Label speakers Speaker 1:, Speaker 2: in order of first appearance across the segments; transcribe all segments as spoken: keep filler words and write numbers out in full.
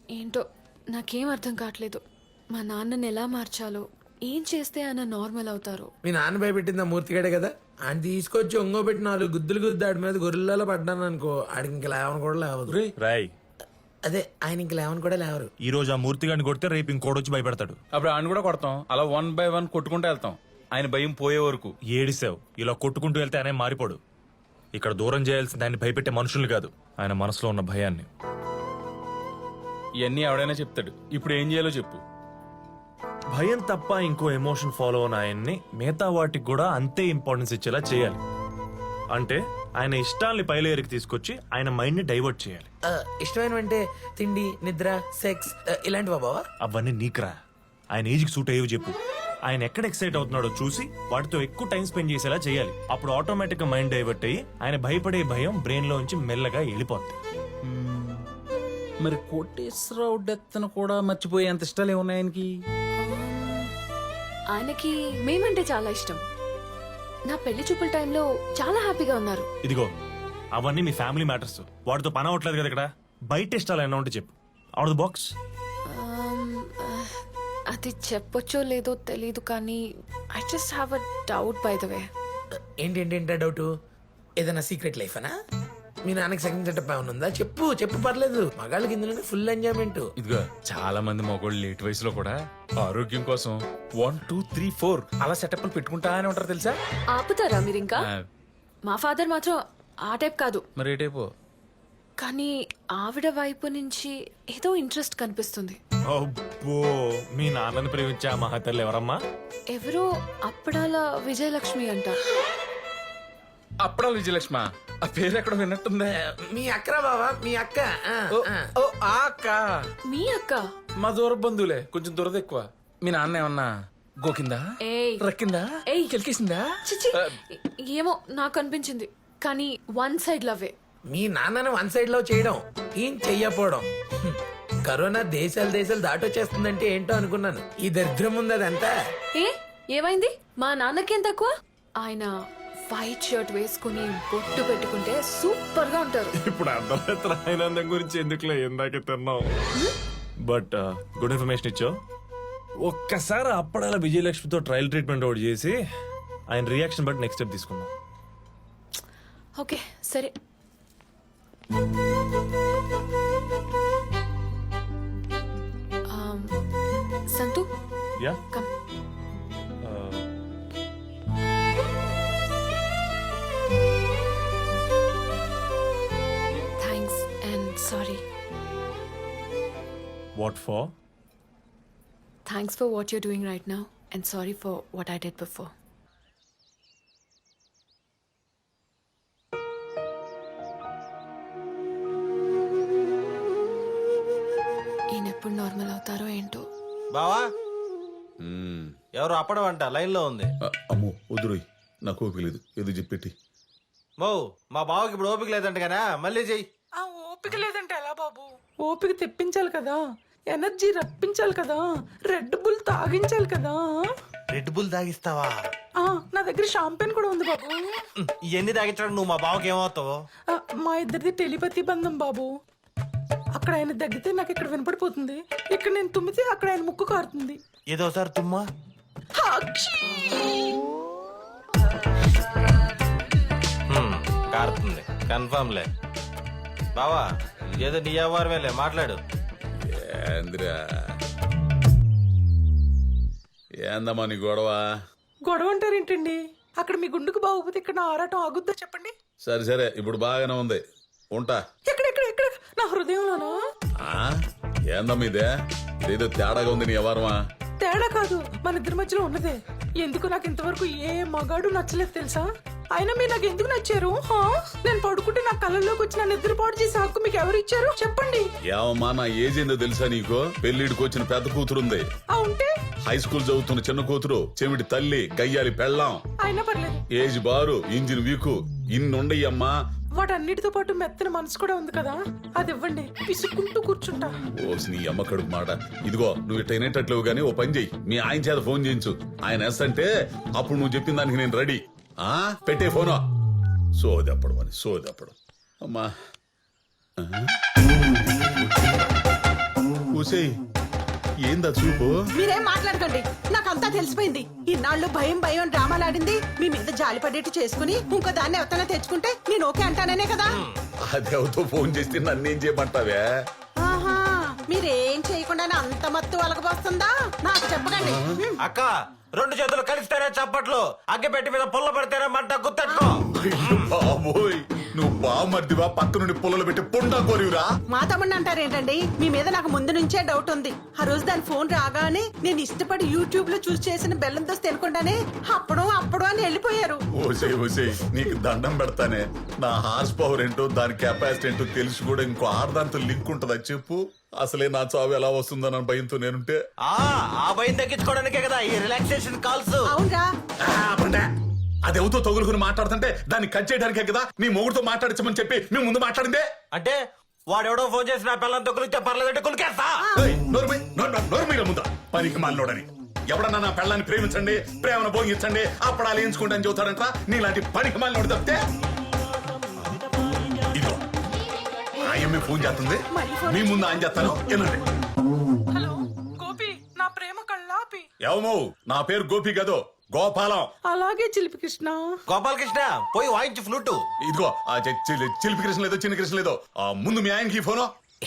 Speaker 1: ఏంటో నాకేం అర్థం కావట్లేదు. మా నాన్నని ఎలా మార్చాలో, ఏం చేస్తే ఆయన నార్మల్ అవుతారో.
Speaker 2: మీ నాన్న భయపెట్టింది ఆ మూర్తిగాడే కదా, ఆయన తీసుకొచ్చి ఒంగో పెట్టి నాలుగు గుద్దులు గుద్దు ఆడి మీద గొర్రెలలో పడ్డాను అనుకో, ఆడికి ఇంక లేవని కూడా లేవదు.
Speaker 3: రాయ్
Speaker 2: అదే ఆయన ఇంక లేవని కూడా లేవరు.
Speaker 3: ఈ రోజు ఆ మూర్తి గారిని కొడితే రేపు ఇంకోడొచ్చి భయపెడతాడు.
Speaker 4: అప్పుడు ఆయన కూడా కొడతాం, అలా వన్ బై వన్ కొట్టుకుంటూ వెళ్తాం ఆయన భయం పోయే వరకు.
Speaker 3: ఏడిసావు, ఇలా కొట్టుకుంటూ వెళ్తే ఆయన మారిపోడు. ఇక్కడ దూరం చేయాల్సింది ఆయన భయపెట్టే మనుషుల్ని కాదు, ఆయన మనసులో ఉన్న భయాన్ని.
Speaker 4: ఇవన్నీ ఎవడైనా చెప్తాడు, ఇప్పుడు ఏం చేయాలో చెప్పు.
Speaker 3: భయం తప్ప ఇంకో ఎమోషన్ ఫాలో అయిన ఆయన్ని మిగతా వాటికి కూడా అంతే ఇంపార్టెన్స్ ఇచ్చేలా చేయాలి. అంటే ఆయన ఇష్టాల్ని పైలేరికి తీసుకొచ్చి ఆయన మైండ్ ని డైవర్ట్ చేయాలి.
Speaker 2: ఆ, ఇష్టమైనవంటే తిండి, నిద్ర, సెక్స్ ఇలాంటివా బావా?
Speaker 3: అవన్నీ నీకురా, ఆయన ఏజ్కి సూట్ అయ్యేవి చెప్పు. ఆయన ఎక్కడ ఎక్సైట్ అవుతున్నాడో చూసి వాటితో ఎక్కువ టైం స్పెండ్ చేసేలా చేయాలి. అప్పుడు ఆటోమేటిక్ గా మైండ్ డైవర్ట్ అయ్యి ఆయన భయపడే భయం బ్రెయిన్ లోంచి మెల్లగా వెళ్ళిపోద్ది.
Speaker 4: మరి కోటేశ్వరరావు డెత్ కూడా మర్చిపోయే అంత ఇష్టాలు ఏమున్నాయి ఆయనకి?
Speaker 1: ఆయనకి మేమంటే చాలా ఇష్టం. నా పెళ్లి చూపుల టైంలో చాలా హ్యాపీగా ఉన్నారు.
Speaker 3: ఇదిగో అవన్నీ మీ ఫ్యామిలీ మ్యాటర్స్, వాటితో పని అవ్వట్లేదు కదా ఇక్కడ. బయట ఇష్టాలు ఏమన్నా ఉంటే చెప్పు, అవుట్ ద బాక్స్.
Speaker 1: ఆమ్, ఆ, అది చెప్పొచ్చో లేదో తెలీదు కానీ I just have a doubt by the way.
Speaker 2: ఏంటి ఏంటి ఏంటా డౌట్? ఏదైనా సీక్రెట్ లైఫ్ అనా? మీ నాన్నకి సెకండ్ సెటప్ ఏమైనా ఉందా? చెప్పు చెప్పు, పర్లేదు. మగాళ్ళకి ఇందులోనే ఫుల్ ఎంజాయ్మెంట్.
Speaker 4: ఇదిగో చాలా మంది మగోళ్ళు లేట్ వయసులో కూడా ఆరోగ్యం కోసం వన్ టూ త్రీ ఫోర్ అలా సెటప్ పెట్టుకుంటా అని ఉంటారు తెలుసా.
Speaker 1: ఆపుతారా మీరు ఇంకా?
Speaker 4: ఆ,
Speaker 1: మా ఫాదర్ మాత్రం ఆ టైప్ కాదు.
Speaker 4: మరి ఏ టైపు?
Speaker 1: కానీ ఆవిడ వైపు నుంచి ఏదో ఇంట్రెస్ట్ కనిపిస్తుంది.
Speaker 3: అబ్బో, మీ నాన్నని ప్రేమించే ఆ మహతల్లి ఎవరమ్మా?
Speaker 1: ఎవరో అప్పడాల విజయలక్ష్మి అంట.
Speaker 4: అప్పడాల విజయలక్ష్మ, ఆ పేరు ఎక్కడ విన్నట్టుందే.
Speaker 2: మీ అక్కరా బావా, మీ అక్క. ఆ,
Speaker 4: ఓ,
Speaker 2: ఆ.
Speaker 4: ఓ, ఆ అక్క
Speaker 1: మీ అక్క?
Speaker 4: మా దూర బంధువులే, కొంచెం దురద ఎక్కువ. మీ నాన్న ఏమన్నా గోకిందా,
Speaker 1: ఏయ్
Speaker 4: రక్కిందా,
Speaker 1: ఏయ్.
Speaker 4: కెలికేసిందా?
Speaker 1: చిచి, ఏమో నాకు అనిపించింది. కానీ వన్ సైడ్ లవ్వే.
Speaker 2: మీ నాన్నను వన్ సైడ్ లో చేయడం, ఏం చెయ్యపోవడం. హ్మ్. కరోనా దేశాలు దేశాలు దాటొచ్చేస్తుందంటే ఏంటో అనుకున్నాను. ఈ దరిద్రం ఉంది అదంతా.
Speaker 1: ఏ ఏమైంది? మా నాన్నకేం తక్కువ? ఆయన వైట్ షర్ట్ వేసుకుని బొట్టు పెట్టుకుంటే సూపర్ గా ఉంటారు.
Speaker 3: ఇప్పుడు అర్థమైతే ఆనందం గురించి ఎందుకులే ఇందాకే తిన్నావు. బట్ గుడ్ ఇన్ఫర్మేషన్ ఇచ్చావు. ఒక్కసారి అప్పడాల విజయలక్ష్మితో ట్రయల్ ట్రీట్మెంట్ ఒకటి చేసి ఆయన రియాక్షన్ బట్టి నెక్స్ట్ స్టెప్ తీసుకుందాం.
Speaker 1: ఓకే సరే. Um, Santhu
Speaker 3: yeah
Speaker 1: come. Thanks and sorry.
Speaker 3: What for?
Speaker 1: Thanks for what you're doing right now and sorry for what I did before. ఈయన ఎప్పుడు నార్మల్ అవుతారో ఏంటో.
Speaker 5: బావా ఎవరు అప్పడం అంట లైన్ లో ఉంది.
Speaker 6: అ- అమ్మో వద్దురోయ్, నాకు ఓపిక లేదు, ఏదో చెప్పెట్టి.
Speaker 5: మో మా బావకి ఇప్పుడు ఓపిక లేదంట కదా, మళ్ళీ చెయ్యి.
Speaker 7: ఆ ఓపిక లేదంటే ఎలా బాబు? ఓపిక తెప్పించాలి కదా, ఎనర్జీ రప్పించాలి కదా, రెడ్ బుల్ తాగించాలి కదా.
Speaker 5: రెడ్ బుల్ తాగిస్తావా?
Speaker 7: ఆ నా దగ్గర షాంపెన్ కూడా ఉంది బాబు.
Speaker 5: ఇవన్నీ తాగించడం నువ్వు మా బావకి ఏమవుతావు?
Speaker 7: ఆ, మా ఇద్దరిది టెలిపతి బంధం బాబు. అక్కడ ఆయన దగ్గితే నాకు ఇక్కడ వినపడిపోతుంది, ఇక్కడ నేను తుమ్మితే అక్కడ ఆయన ముక్కు కారుతుంది.
Speaker 5: ఏదో ఒకసారి తుమ్మా.
Speaker 7: హాక్షీ!
Speaker 5: హ్మ్, కారుతుంది కన్ఫర్మ్ లే. బావా ఏదో నీ వ్యవహారమేలే, మాట్లాడు.
Speaker 6: ఏందిరా ఏందమ్మా నీ గొడవ?
Speaker 7: గొడవ అంటారేంటండి? అక్కడ మీ గుండుకు బాగోపోతే ఇక్కడ నా ఆరాటం ఆగుద్దా చెప్పండి?
Speaker 6: సరే సరే, ఇప్పుడు బాగానే ఉంది, ఉంటా.
Speaker 7: ఎక్కడ ఎక్కడ ఎక్కడ నా హృదయంలోనా?
Speaker 6: ఆ? ఏందమ్మా ఇదే, ఇదేదో తేడాగా ఉంది నీ వ్యవహారమా?
Speaker 7: తేడా కాదు, మన ఇద్దరి మధ్యలో ఉన్నదే. ఎందుకు నాకు ఇంతవరకు ఏ మగాడు నచ్చలేదు తెలుసా? అయినా మీరు నాకు ఎందుకు నచ్చారు? హా? నేను పడుకుంటే నా కళ్ళలోకి వచ్చి నా నిద్ర పాడు చేసే హక్కు మీకు ఎవరు ఇచ్చారు చెప్పండి?
Speaker 6: ఏమమ్మా నా ఏజ్ ఏందో తెలుసా నీకు? పెళ్లిడికి వచ్చిన పెద్ద కూతురుంది,
Speaker 7: ఆ ఉంటే
Speaker 6: హై స్కూల్ చదువుతున్న చిన్న కూతురు, చెవిటి తల్లి, గయ్యాలి పెళ్ళాం,
Speaker 7: అయినా పర్లేదు.
Speaker 6: ఏజ్ బారు, ఇంజిన్ వీకు, ఇన్నుండయ్యమ్మా.
Speaker 7: వాటన్నిటితో పాటు మెత్తన మనసు కూడా ఉంది కదా, అది ఇవ్వండి, పిసుక్కుంటూ కూర్చుంటా.
Speaker 6: ఓసి నీ అమ్మ కడుపు మాట. ఇదిగో నువ్వు ఇట్ట వినేటట్లేవు గానీ ఓ పని చెయ్యి, మీ ఆయన చేత ఫోన్ చేయించు. ఆయన ఎస్ అంటే అప్పుడు నువ్వు చెప్పిన దానికి నేను రెడీ. ఆ పెట్టే ఫోను. సోదెప్పడం అని సోదెప్పడం అమ్మా. ఆ? ఊసేయ్ ఏందా చూపు
Speaker 7: మీరేం మాట్లాడకండి నాకంతా తెలిసిపోయింది. ఇన్నాళ్ళు భయం భయం డ్రామాలు ఆడింది మీ మీద జాలి పడేట్టు చేసుకుని ఇంకో దాన్ని ఎవరైనా తెచ్చుకుంటే నేను ఓకే అంటాననే కదా.
Speaker 6: అదేవతో ఫోన్ చేస్తే నన్నేం చేయమంటావే?
Speaker 7: ఆహా మీరేం చేయకుండానే అంత మత్తు అలగబోస్తుందా? నాకు చెప్పకండి.
Speaker 5: అక్క రెండు చేతులు కలిస్తేనే చప్పట్లు, అగ్గిపెట్టి మీద పుల్ల పడితేనే మంట గుర్తెట్టుకో.
Speaker 6: అయ్యో బాబోయ్ నువ్వు బామర్దివా పక్క నుండి పుల్లలు పెట్టి పుండా కోరివురా?
Speaker 7: మా తమ్ముడిని అంటారేంటండి? మీ మీద నాకు ముందు నుంచే డౌట్ ఉంది. ఆ రోజు దాని ఫోన్ రాగానే నేను ఇష్టపడి యూట్యూబ్ లో చూసి చేసిన బెల్లం దోశ తినకుండానే అప్పుడు అప్పుడు అని వెళ్ళిపోయారు.
Speaker 6: ఓసే ఓసే నీకు దండం పెడతానే. నా హార్స్ పవర్ ఏంటో దాని కెపాసిటీ ఏంటో తెలిసి కూడా ఇంకో ఆడదాంతో లింక్ ఉంటుందా చెప్పు? అసలే నా చావు ఎలా వస్తుందన్న భయంతో నేనుంటే
Speaker 5: ఆ ఆ భయం తగ్గించుకోవడానికే కదా ఈ రిలాక్సేషన్ కాల్స్.
Speaker 7: అవునరా
Speaker 6: అదేవుతో తగులుకుని మాట్లాడుతుంటే దాన్ని కట్ చేయడానికే కదా నీ మొగుడుతో మాట్లాడించమని చెప్పి మేము ముందు మాట్లాడిందే.
Speaker 5: అంటే వాడెవడో ఫోన్ చేసి నా పిల్లలతో కులిస్తే పర్లేదంటే కులికేస్తా.
Speaker 6: ఏయ్, నోరు మూయ్, నోరు నోరు- నోరు మీర ముందా పనికి మాలినోడని. ఎవడన్నా నా పెళ్ళాన్ని ప్రేమించండి ప్రేమను భోగించండి అప్పుడు అలా ఎంచుకుంటా అని చెబుతాడంట. నీలాంటి పనికి మాలినోడు తప్పితే ఇదిగో ఆయమ్మే ఫోన్ చేస్తుంది మీ ముందు ఆయన చేస్తాను వినండి.
Speaker 7: హలో గోపి, నా ప్రేమ కళ్ళాపి.
Speaker 6: ఏమో నా పేరు గోపి కదో గోపాలం.
Speaker 7: అలాగే చిలిపి కృష్ణ.
Speaker 5: గోపాలకృష్ణ పోయి వాయించు ఫ్లూటు.
Speaker 6: ఇదిగో ఆ చి- చి- చిలిపి కృష్ణ లేదో చిన్న కృష్ణ లేదో ఆ ముందు మీ ఆయనకి ఈ ఫోను.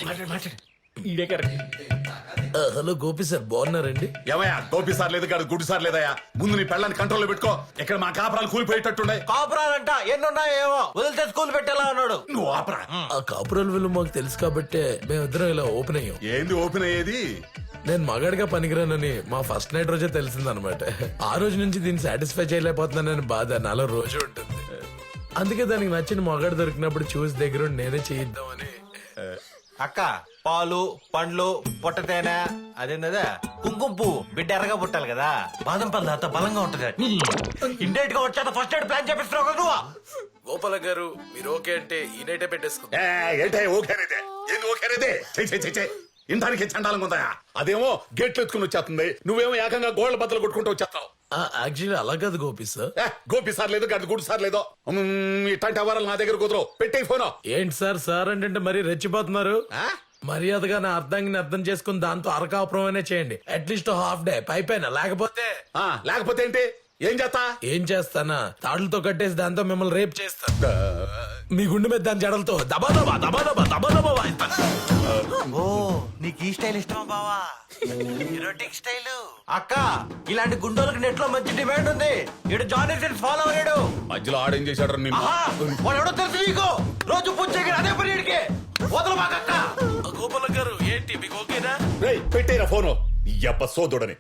Speaker 2: హలో గోపి సార్ బాగున్నారండి?
Speaker 6: ఏమయ్యా గోపి సార్ లేదు కాదు గుడి సార్ లేదయ్యా. ముందు నీ పెళ్ళాన్ని కంట్రోల్లో పెట్టుకో. ఇక్కడ మా కాపురాలు కూలిపోయేటట్టుండే.
Speaker 5: కాపురాలంట ఎన్నున్నాయో ఏమో వదిలితే స్కూల్ పెట్టేలా ఉన్నాడు.
Speaker 6: నువ్వు ఆపరా.
Speaker 2: ఆ కాపురాల విలువ మాకు తెలుసు కాబట్టే మేమిద్దరం ఇలా ఓపెన్ అయ్యాం.
Speaker 6: ఏంది ఓపెన్ అయ్యేది?
Speaker 2: నేను మగాడిగా పనికిరానని మా ఫస్ట్ నైట్ రోజే తెలిసిందనమాట. ఆ రోజు నుంచి దీన్ని సాటిస్ఫై చేయలేకపోతున్నానని బాధ నాలో రోజు ఉంటుంది. అందుకే దానికి నచ్చిన మగాడు దొరికినప్పుడు చూసి దగ్గర ఉండి నేనే చేయిద్దామని.
Speaker 5: అక్క పాలు పండ్లు పొట్ట తేనె అదేందా కుంకుమ పువ్వు బిడ్డ ఎర్రగా పుట్టాలి కదా. బాదం పళ్ళు అంత బలంగా ఉంటది. ఇండైట్ గా వచ్చేది ఫస్ట్ ఎయిడ్ ప్లాన్ చేపిస్తున్నావు కదా నువ్వు.
Speaker 2: గోపాల గారు మీరు ఓకే అంటే ఈ నైటే పెట్టేసుకుందాం.
Speaker 6: ఏ, ఏంటే ఓకేనేదే? ఏంది ఓకేనేదే? చెయ్ చెయ్ చెయ్ చెయ్. ఇంటానికి చండాలంగా ఉందా? అదేమో గేట్లు ఎత్తుకుని వచ్చేస్తుంది, నువ్వేమో ఏకంగా గోళ్ల బద్దలు కొట్టుకుంటూ వచ్చేస్తావు.
Speaker 2: యాక్చువల్లీ అలా కాదు గోపి సార్.
Speaker 6: ఏ, గోపి సార్ లేదు గడి గుడి సార్ లేదో. మ్మ్, ఇట్లాంటి అవరాలు నా దగ్గర కుదరవు. పెట్టే ఫోను.
Speaker 2: ఏంటి సార్ సార్ అంటే మరీ రెచ్చిపోతున్నారు. మర్యాదగా నా అర్థాన్ని అర్థం చేసుకుని దాంతో అరకాపురం అనే చేయండి. అట్లీస్ట్ హాఫ్ డే పైపైన. లేకపోతే
Speaker 6: ఆ, లేకపోతే ఏంటి? ఏం చేస్తా?
Speaker 2: ఏం చేస్తానా తాడులతో కట్టేసి దాంతో మిమ్మల్ని రేప్ చేస్తా. మీ గుండె మీద దాని జడలతో దబా దబా దబా దబా దబా దబా వాయిస్తాను.
Speaker 5: ఓ నీకు ఈ స్టైల్ ఇష్టమా బావా? Erotic style. అక్క ఇలాంటి గుండోలకు నెట్ లో మంచి డిమాండ్ ఉంది. ఇడు జానీ సిన్స్ ఫాలో అయ్యాడు.
Speaker 6: మధ్యలో ఆడేం చేశాడు నిన్ను?
Speaker 5: ఆహా, వాడు ఎవడో తెలుసు నీకు. రోజు పూజ చేయగల అదే పని వీడికి. వదలు మాకక్క.
Speaker 2: గోపాల గారు ఏంటి మీకు ఓకేనా?
Speaker 6: రేయ్ పెట్టేరా ఫోను. ఎప్ప సోదోడని.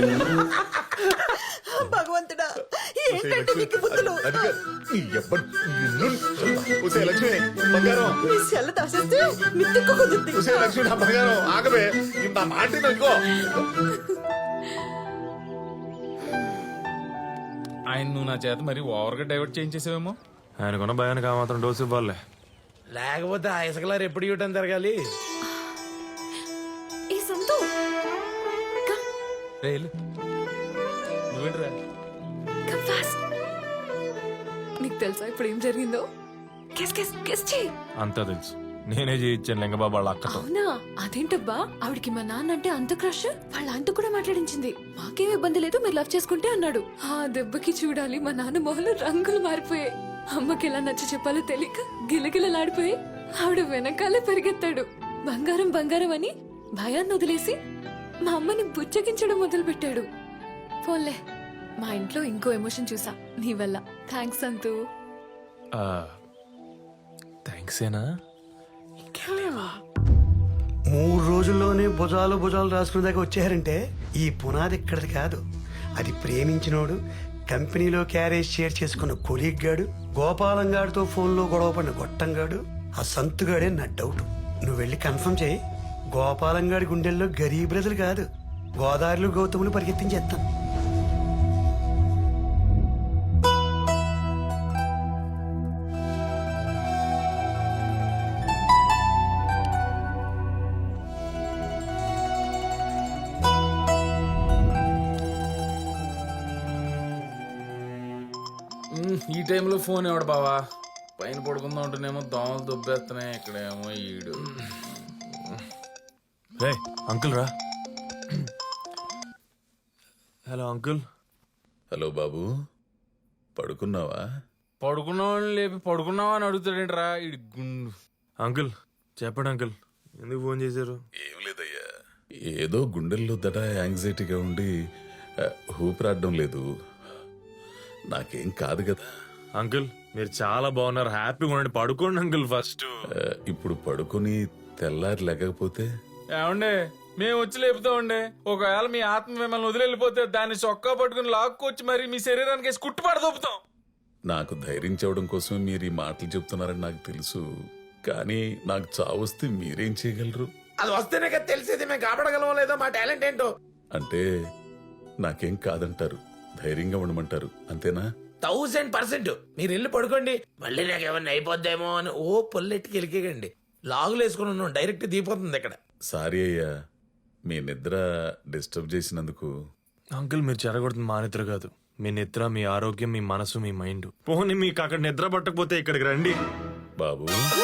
Speaker 7: భగవంతుడా ఏంటంటే నీకు బుద్ధులు?
Speaker 6: అదిగా, నీ ఎప్ప నిన్ను. ఉసే లక్ష్మి బంగారం.
Speaker 7: నీ సెల్ల దాసేస్తే మిత్తికు కుదురుతుంది.
Speaker 6: ఉసే లక్ష్మి నా బంగారం ఆగవే. నా మాట ఇదిగో.
Speaker 4: ఆయన నువ్వు నా చేత మరి ఓవర్గా డైవర్ట్ చేయించేసావేమో.
Speaker 3: ఆయనకున్న భయానికి ఆ మాత్రం డోసు ఇవ్వాలి.
Speaker 2: లేకపోతే ఆ ఇసుకలారు ఎప్పుడు ఇవ్వటం జరగాలి.
Speaker 1: ఏ సంతు
Speaker 4: రే వెళ్ళు. నువ్వేంట్రా?
Speaker 1: Come fast. నీకు తెలుసా ఇప్పుడు ఏం జరిగిందో? గెస్ గెస్ గెస్ చెయ్యి.
Speaker 3: అంతా తెలుసు. నేనే చేయించాను లింగబాబు వాళ్ళ అక్కతో.
Speaker 1: అవునా? అదేంటబ్బా ఆవిడికి మా నాన్న అంటే అంత క్రష్. వాళ్ళ ఆయనతో కూడా మాట్లాడించింది. మాకేం ఇబ్బంది లేదు మీరు లవ్ చేసుకుంటే అన్నాడు. ఆ దెబ్బకి చూడాలి మా నాన్న మొహంలో రంగులు మారిపోయాయి. అమ్మకి ఎలా నచ్చ చెప్పాలో తెలియక గిలగిలలాడిపోయి ఆవిడ వెనకాలే పరిగెత్తాడు. బంగారం బంగారం అని భయాన్ని వదిలేసి మా అమ్మని బుచ్చగించడం మొదలు పెట్టాడు. పోన్లే మా ఇంట్లో ఇంకో ఎమోషన్ చూసా నీ వల్ల. థ్యాంక్స్ అంతు.
Speaker 3: థ్యాంక్స్ ఏనా?
Speaker 8: మూడు రోజుల్లోనే భుజాలు భుజాలు రాసుకునే దాకా వచ్చారంటే ఈ పునాది ఇక్కడది కాదు. అది ప్రేమించినోడు, కంపెనీలో క్యారేజ్ షేర్ చేసుకున్న కొలీగ్ గాడు, గోపాలంగాడితో ఫోన్లో గొడవపడిన గొట్టంగాడు, ఆ సంతుగాడే నా డౌట్. నువ్వు వెళ్ళి కన్ఫర్మ్ చేయి. గోపాలంగాడి గుండెల్లో గరీబ్ బ్రదలు కాదు, గోదావరిలో గౌతములు పరిగెత్తించేస్తాను.
Speaker 4: ఈ టైంలో ఫోన్ ఎవడు బావా? పైన పడుకుందాం ఉంటేనేమో దోమలు దుబ్బేస్తున్నాయి. ఇక్కడేమో ఈడు.
Speaker 3: రే అంకుల్ రా. Hello uncle.
Speaker 6: హలో బాబు, పడుకున్నావా?
Speaker 4: పడుకున్నావని లేపి పడుకున్నావా అని అడుగుతాడేంట్రా ఇడి గుండు.
Speaker 3: అంకుల్ చెప్పండి అంకుల్, ఎందుకు ఫోన్ చేశారు?
Speaker 6: ఏం లేదయ్యా, ఏదో గుండెల్లో దడ యాంగ్జైటీగా ఉండి ఆ, ఊపిరాడడం లేదు. నాకేం కాదు కదా.
Speaker 3: అంకుల్ మీరు చాలా బాగున్నారు, హ్యాపీగా ఉండండి, పడుకోండి అంకుల్ ఫస్ట్.
Speaker 6: ఆ, ఇప్పుడు పడుకొని తెల్లారి లేకపోతే
Speaker 4: ఏమండే మేము వచ్చి లేపుతామండే. ఒకవేళ మీ ఆత్మ మిమ్మల్ని వదిలిపోతే దాన్ని చొక్కా పట్టుకుని లాక్కొచ్చి మరి మీ శరీరానికి వేసి కుట్టు పడదొప్పుతాం.
Speaker 6: నాకు ధైర్యం చెప్పడం కోసం మీరు ఈ మాటలు చెప్తున్నారని నాకు తెలుసు, కానీ నాకు చావొస్తే మీరేం చేయగలరు?
Speaker 2: అది వస్తేనే కదా తెలిసేది మేము కాపాడగలమో లేదో మా టాలెంట్ ఏంటో.
Speaker 6: అంటే నాకేం కాదంటారు, ధైర్యంగా ఉండమంటారు, అంతేనా?
Speaker 2: థౌసండ్ పర్సెంట్ మీరు వెళ్ళి పడుకోండి. మళ్ళీ నాకు ఏమన్నా అయిపోద్దేమో అని ఓ పొల్లెట్టికి వెళ్ళికేయండి. లాగులు వేసుకుని ఉన్నాం, డైరెక్ట్ దిగిపోతుంది ఇక్కడ.
Speaker 6: సారీ అయ్యా, మీ నిద్ర డిస్టర్బ్ చేసినందుకు.
Speaker 3: అంకుల్ మీరు చెరగొడుతుంది మా నిద్ర కాదు, మీ నిద్ర, మీ ఆరోగ్యం, మీ మనసు, మీ మైండ్. పోనీ మీకు అక్కడ నిద్ర పట్టకపోతే ఇక్కడికి రండి.
Speaker 6: బాబు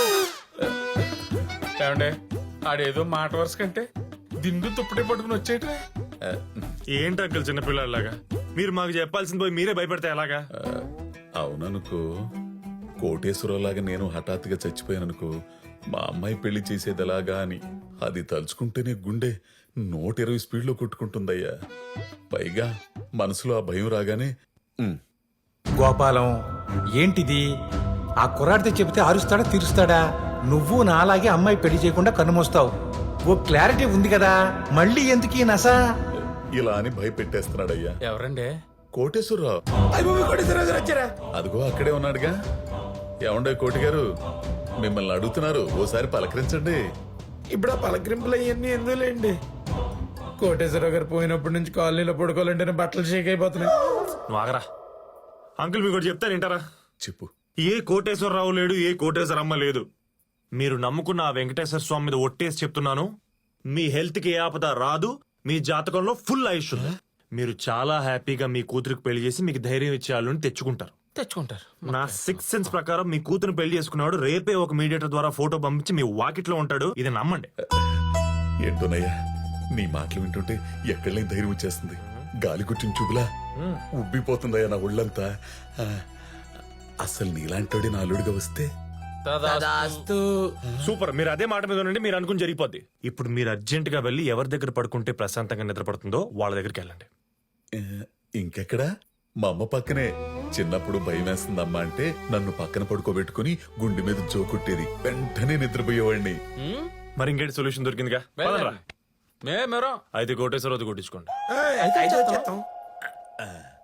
Speaker 4: ఏమండే ఆడేదో మాట వరుస కంటే దిండు తుప్పటి పట్టుకుని వచ్చేట.
Speaker 3: ఏంటి అంకుల్ చిన్నపిల్లలాగా మీరు మాకు చెప్పాల్సింది పోయి మీరే భయపడితే ఎలాగా?
Speaker 6: ఆ, అవుననుకో, కోటేశ్వరరావులాగా నేను హఠాత్తుగా చచ్చిపోయాననుకో, మా అమ్మాయి పెళ్లి చేసేది ఎలాగా అని అది తలుచుకుంటేనే గుండె నూట ఇరవై స్పీడ్లో కొట్టుకుంటుందయ్యా. పైగా మనసులో ఆ భయం రాగానే ఉమ్,
Speaker 9: గోపాలం ఏంటిది? ఆ కుర్రాడితో చెబితే అరుస్తాడా తీరుస్తాడా? నువ్వు నాలాగే అమ్మాయి పెళ్లి చేయకుండా కన్నుమోస్తావు. ఓ క్లారిటీ ఉంది కదా, మళ్ళీ ఎందుకు ఈ నస?
Speaker 6: ఇలా అని భయపెట్టేస్తున్నాడయ్యా.
Speaker 4: ఎవరండే?
Speaker 6: కోటేశ్వరరావు
Speaker 2: అయిపోయి కొట్టేశ్వరరావు గారు వచ్చారా?
Speaker 6: అదిగో అక్కడే ఉన్నాడుగా. ఏమండే కోటి గారు, మిమ్మల్ని అడుగుతున్నారు, ఓసారి పలకరించండి.
Speaker 2: ఇప్పుడు ఆ పలకరింపులు అవన్నీ ఎందులేండి. కోటేశ్వరరావు గారు పోయినప్పటి నుంచి కాలనీలో పడుకోవాలంటేనే బట్టలు షేక్ అయిపోతున్నాయి.
Speaker 3: నువ్వు ఆగరా. అంకుల్ మీకు ఒకటి చెప్తాను వింటారా?
Speaker 6: చెప్పు.
Speaker 3: ఏ కోటేశ్వరరావు లేడు, ఏ కోటేశ్వరమ్మ లేదు. మీరు నమ్ముకున్న ఆ వెంకటేశ్వర స్వామి మీద ఒట్టేసి చెప్తున్నాను, మీ హెల్త్ కి ఏ ఆపద రాదు, మీ జాతకంలో ఫుల్ ఆయుష్ ఉంది. మీరు చాలా హ్యాపీగా మీ కూతురికి పెళ్లి చేసి మీకు ధైర్యం ఇచ్చే వాళ్ళని తెచ్చుకుంటారు.
Speaker 4: తెచ్చుకుంటారు.
Speaker 3: నా సిక్స్ సెన్స్ ప్రకారం మీ కూతురు పెళ్లి చేసుకున్నాడు రేపే ఒక మీడియేటర్ ద్వారా ఫోటో పంపించి మీ వాకిట్లో ఉంటాడు. ఇది నమ్మండి.
Speaker 6: ఏంటోనయ్యా, నీ మాటలు వింటుంటే ఎక్కడ లేని ధైర్యం వచ్చేస్తుంది. గాలి గుట్టిన చూపులా ఉబ్బిపోతుందయ్యా నా ఒళ్ళంతా. ఆ, అసలు నీలాంటోడి నా అల్లుడిగా వస్తే
Speaker 2: తదాస్తు.
Speaker 3: సూపర్, మీరు అదే మాట మీద ఉండండి, మీరు అనుకుని జరిగిపోద్ది. ఇప్పుడు మీరు అర్జెంట్ గా వెళ్ళి ఎవరి దగ్గర పడుకుంటే ప్రశాంతంగా నిద్రపడుతుందో వాళ్ళ దగ్గరికి వెళ్ళండి.
Speaker 6: ఆ, ఇంకెక్కడా? మా అమ్మ పక్కనే. చిన్నప్పుడు భయం వేస్తుందమ్మా అంటే నన్ను పక్కన పడుకోబెట్టుకుని గుండె మీద జోకుట్టేది, వెంటనే నిద్రపోయేవాడిని.
Speaker 3: మరి ఇంకేంటి సొల్యూషన్ దొరికిందిగా? పదండ్రా.
Speaker 4: మే మెరో
Speaker 3: అయితే కోటేశ్వరరావు కొట్టించుకోండి.
Speaker 2: అయితే వచ్చేస్తాం.